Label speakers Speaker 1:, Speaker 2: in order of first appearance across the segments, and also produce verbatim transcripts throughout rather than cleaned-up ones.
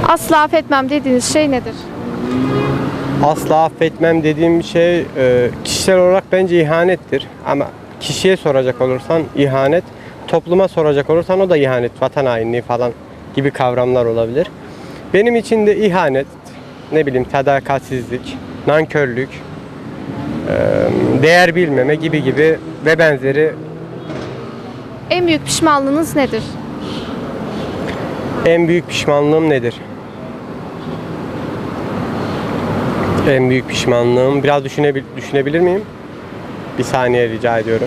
Speaker 1: Asla affetmem dediğiniz şey nedir?
Speaker 2: Asla affetmem dediğim şey e, kişisel olarak bence ihanettir. Ama kişiye soracak olursan ihanet, topluma soracak olursan o da ihanet, vatan hainliği falan gibi kavramlar olabilir. Benim için de ihanet, ne bileyim sadakatsizlik, nankörlük, e, değer bilmeme gibi gibi ve benzeri.
Speaker 1: En büyük pişmanlığınız nedir?
Speaker 2: En büyük pişmanlığım nedir? En büyük pişmanlığım, biraz düşünebil düşünebilir miyim? Bir saniye rica ediyorum.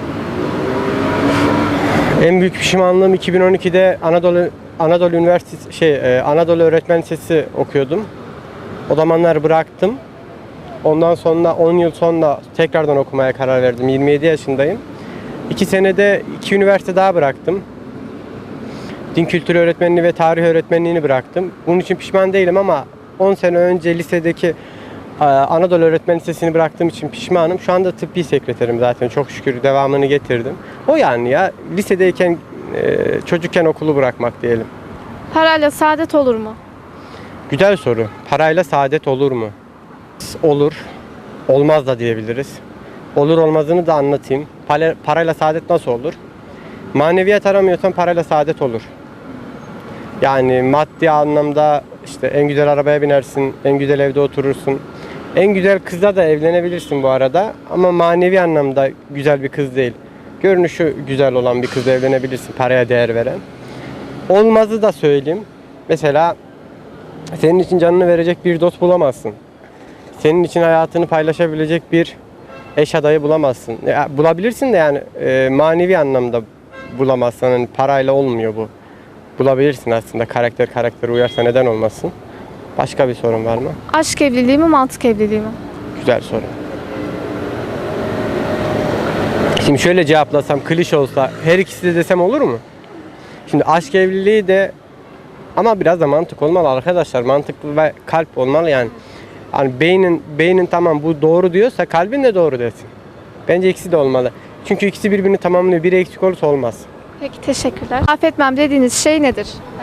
Speaker 2: En büyük pişmanlığım iki bin on ikide Anadolu Anadolu Üniversitesi şey e, Anadolu Öğretmen Lisesi okuyordum. O zamanlar bıraktım. Ondan sonra on yıl sonra tekrardan okumaya karar verdim. yirmi yedi yaşındayım. iki senede iki üniversite daha bıraktım. Din kültürü öğretmenliği ve tarih öğretmenliğini bıraktım. Bunun için pişman değilim ama on sene önce lisedeki Anadolu Öğretmen Lisesi'ni bıraktığım için pişmanım. Şu anda tıbbi sekreterim zaten. Çok şükür devamını getirdim. O yani ya lisedeyken çocukken okulu bırakmak diyelim.
Speaker 1: Parayla saadet olur mu?
Speaker 2: Güzel soru. Parayla saadet olur mu? Olur. Olmaz da diyebiliriz. Olur olmazını da anlatayım. Parayla saadet nasıl olur? Maneviyat aramıyorsan parayla saadet olur. Yani maddi anlamda işte en güzel arabaya binersin, en güzel evde oturursun. En güzel kızla da evlenebilirsin bu arada ama manevi anlamda güzel bir kız değil. Görünüşü güzel olan bir kızla evlenebilirsin, paraya değer veren. Olmazı da söyleyeyim. Mesela senin için canını verecek bir dost bulamazsın. Senin için hayatını paylaşabilecek bir eş adayı bulamazsın. Ya, bulabilirsin de yani e, manevi anlamda bulamazsın. Yani parayla olmuyor bu. Bulabilirsin aslında, karakter karakter uyarsa neden olmasın. Başka bir sorun var mı?
Speaker 1: Aşk evliliği mi, mantık evliliği mi?
Speaker 2: Güzel soru. Şimdi şöyle cevaplasam, klişe olsa her ikisi de desem olur mu? Şimdi aşk evliliği de ama biraz da mantık olmalı arkadaşlar. Mantıklı ve kalp olmalı yani. Hani beynin beynin tamam bu doğru diyorsa kalbin de doğru desin. Bence ikisi de olmalı. Çünkü ikisi birbirini tamamlıyor. Biri eksik olursa olmaz.
Speaker 1: Peki teşekkürler. Affetmem dediğiniz şey nedir?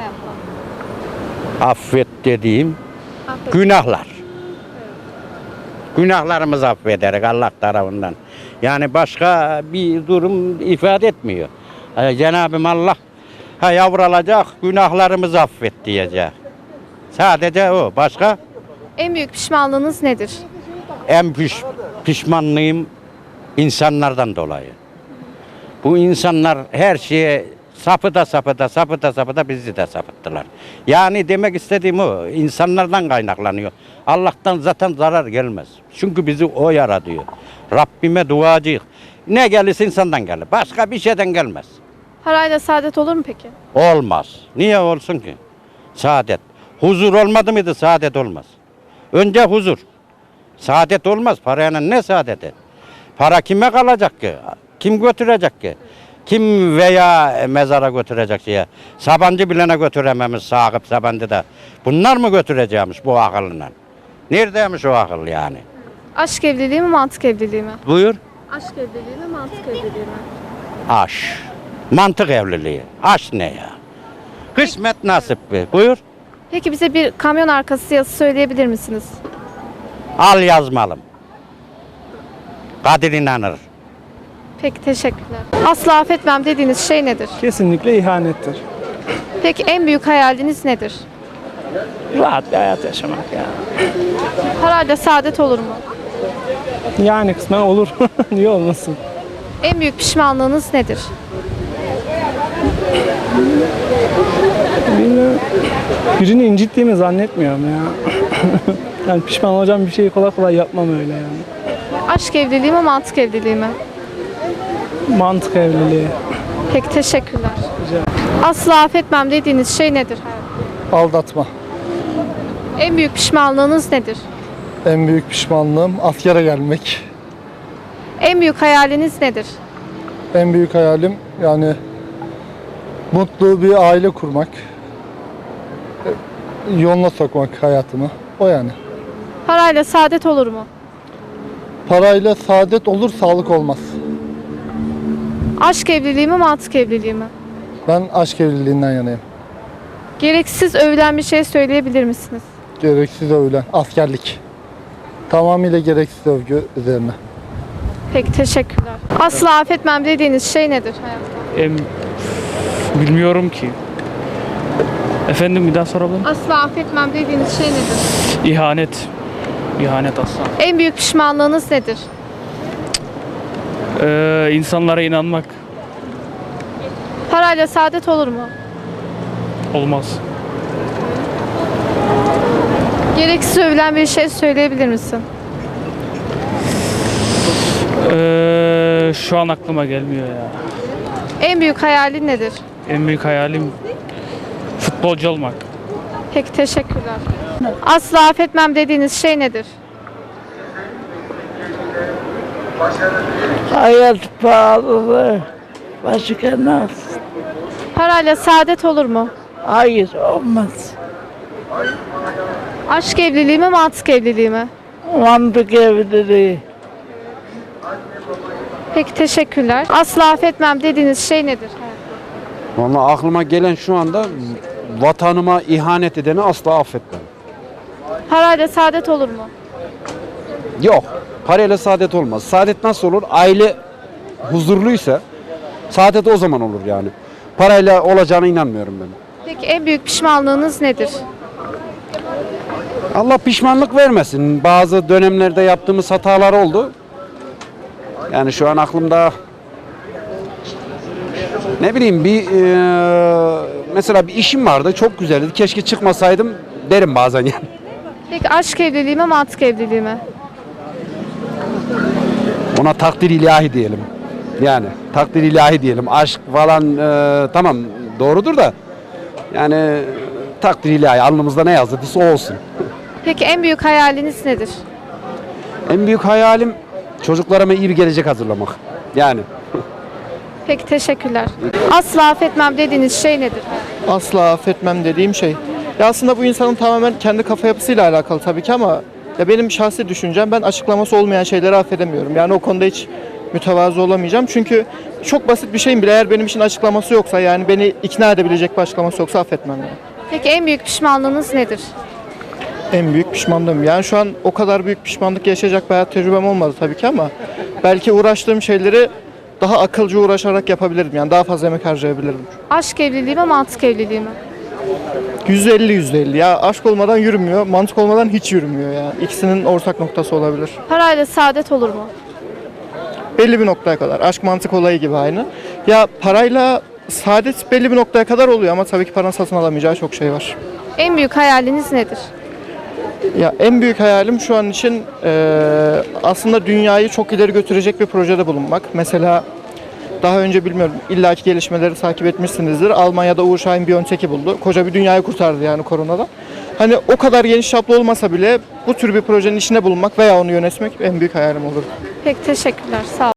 Speaker 3: Affet dediğim
Speaker 1: Affet.
Speaker 3: günahlar. Günahlarımızı affederek Allah tarafından. Yani başka bir durum ifade etmiyor. Yani Cenab-ı Allah ha yavrulacak günahlarımızı affet diyecek. Sadece o. Başka?
Speaker 1: En büyük pişmanlığınız nedir?
Speaker 3: En piş, pişmanlığım insanlardan dolayı. Bu insanlar her şeye sapıda sapıda sapıda sapıda bizi de sapıttılar. Yani demek istediğim o, insanlardan kaynaklanıyor. Allah'tan zaten zarar gelmez. Çünkü bizi o yaratıyor. Rabbime duacıyız. Ne gelirse insandan gelir. Başka bir şeyden gelmez.
Speaker 1: Parayla saadet olur mu peki?
Speaker 3: Olmaz. Niye olsun ki? Saadet. Huzur olmadı mıydı saadet olmaz. Önce huzur. Saadet olmaz. Parayla ne saadeti? Para kime kalacak ki? Kim götürecek ki? Kim veya mezara götürecek diye. Sabancı bilene götürememiş Sakıp Sabancı'da. Bunlar mı götüreceğimiş bu akıllından? Neredeymiş o akıl yani?
Speaker 1: Aşk evliliği mi, mantık evliliği mi?
Speaker 3: Buyur.
Speaker 1: Aşk evliliği mi, mantık evliliği mi?
Speaker 3: Aş. Mantık evliliği. Aş ne ya? Kısmet nasip be. Buyur.
Speaker 1: Peki bize bir kamyon arkası yazısı söyleyebilir misiniz?
Speaker 3: Al yazmalım. Kadir inanır.
Speaker 1: Peki teşekkürler. Asla affetmem dediğiniz şey nedir?
Speaker 4: Kesinlikle ihanettir.
Speaker 1: Peki en büyük hayaliniz nedir?
Speaker 4: Rahat bir hayat yaşamak ya.
Speaker 1: Parayla saadet olur mu?
Speaker 4: Yani kısmen olur. Niye olmasın?
Speaker 1: En büyük pişmanlığınız nedir?
Speaker 4: Bilmiyorum. Birini incittiğimi zannetmiyorum ya. Yani pişman olacağım bir şeyi kolay kolay yapmam öyle yani.
Speaker 1: Aşk evliliği mi, mantık evliliği mi?
Speaker 4: Mantık evliliği.
Speaker 1: Peki teşekkürler.
Speaker 4: Rica ederim.
Speaker 1: Asla affetmem dediğiniz şey nedir?
Speaker 5: Aldatma.
Speaker 1: En büyük pişmanlığınız nedir?
Speaker 5: En büyük pişmanlığım askere gelmek.
Speaker 1: En büyük hayaliniz nedir?
Speaker 5: En büyük hayalim yani mutlu bir aile kurmak. Yoluna sokmak hayatımı. O yani.
Speaker 1: Parayla saadet olur mu?
Speaker 5: Parayla saadet olur, sağlık olmaz.
Speaker 1: Aşk evliliği mi, mantık evliliği mi?
Speaker 5: Ben aşk evliliğinden yanayım.
Speaker 1: Gereksiz övülen bir şey söyleyebilir misiniz?
Speaker 5: Gereksiz övülen askerlik. Tamamıyla gereksiz övgü üzerine.
Speaker 1: Peki teşekkürler. Asla affetmem dediğiniz şey nedir hayatta?
Speaker 4: Em, bilmiyorum ki. Efendim bir daha sorabilir miyim?
Speaker 1: Asla affetmem dediğiniz şey nedir?
Speaker 4: İhanet. İhanet asla.
Speaker 1: En büyük pişmanlığınız nedir?
Speaker 4: Ee, insanlara inanmak
Speaker 1: Parayla saadet olur mu?
Speaker 4: olmaz.
Speaker 1: Gereksiz övülen bir şey söyleyebilir misin?
Speaker 4: Ee, şu an aklıma gelmiyor ya.
Speaker 1: En büyük hayalin nedir?
Speaker 4: En büyük hayalim futbolcu olmak.
Speaker 1: Peki teşekkürler. Asla affetmem dediğiniz şey nedir?
Speaker 6: Hayat pahalı. Başka nasıl?
Speaker 1: Parayla saadet olur mu?
Speaker 6: Hayır olmaz.
Speaker 1: Aşk evliliği mi, mantık evliliği mi?
Speaker 6: Mantık evliliği.
Speaker 1: Peki teşekkürler. Asla affetmem dediğiniz şey nedir?
Speaker 7: Vallahi aklıma gelen şu anda vatanıma ihanet edeni asla affetmem.
Speaker 1: Parayla saadet olur mu?
Speaker 7: Yok. Parayla saadet olmaz. Saadet nasıl olur? Aile huzurluysa saadet o zaman olur yani. Parayla olacağına inanmıyorum ben.
Speaker 1: Peki en büyük pişmanlığınız nedir?
Speaker 7: Allah pişmanlık vermesin. Bazı dönemlerde yaptığımız hatalar oldu. Yani şu an aklımda ne bileyim bir eee, mesela bir işim vardı. Çok güzeldi. Keşke çıkmasaydım derim bazen yani.
Speaker 1: Peki aşk evliliği mi, mantık evliliği mi?
Speaker 7: Ona takdir ilahi diyelim. Yani takdir ilahi diyelim. Aşk falan eee, tamam doğrudur da yani takdir ilahi alnımızda ne yazıldıysa o olsun.
Speaker 1: Peki en büyük hayaliniz nedir?
Speaker 7: En büyük hayalim çocuklarıma iyi bir gelecek hazırlamak. Yani
Speaker 1: Peki teşekkürler. Asla affetmem dediğiniz şey nedir?
Speaker 8: Asla affetmem dediğim şey. Ya aslında bu insanın tamamen kendi kafa yapısıyla alakalı tabii ki ama ya benim şahsi düşüncem ben açıklaması olmayan şeyleri affedemiyorum. Yani o konuda hiç mütevazı olamayacağım. Çünkü çok basit bir şeyin bile eğer benim için açıklaması yoksa yani beni ikna edebilecek bir açıklaması yoksa affetmem yani.
Speaker 1: Peki en büyük pişmanlığınız nedir?
Speaker 8: En büyük pişmanlığım. Yani şu an o kadar büyük pişmanlık yaşayacak bir hayat tecrübem olmadı tabii ki ama belki uğraştığım şeyleri daha akılcı uğraşarak yapabilirdim. Yani daha fazla emek harcayabilirdim.
Speaker 1: Aşk evliliği mi, mantık evliliği mi?
Speaker 8: yüzde elli yüzde elli ya aşk olmadan yürümüyor, mantık olmadan hiç yürümüyor ya. İkisinin ortak noktası olabilir.
Speaker 1: Parayla saadet olur mu?
Speaker 8: Belli bir noktaya kadar. Aşk mantık olayı gibi aynı. Ya parayla saadet belli bir noktaya kadar oluyor ama tabii ki paranın satın alamayacağı çok şey var.
Speaker 1: En büyük hayaliniz nedir?
Speaker 8: Ya en büyük hayalim şu an için eee, aslında dünyayı çok ileri götürecek bir projede bulunmak. Mesela daha önce bilmiyorum illaki gelişmeleri takip etmişsinizdir. Almanya'da Uğur Şahin Biontech'i buldu. Koca bir dünyayı kurtardı yani koronadan. Hani o kadar geniş çaplı olmasa bile bu tür bir projenin içinde bulunmak veya onu yönetmek en büyük hayalim olur.
Speaker 1: Peki teşekkürler. Sağ olun.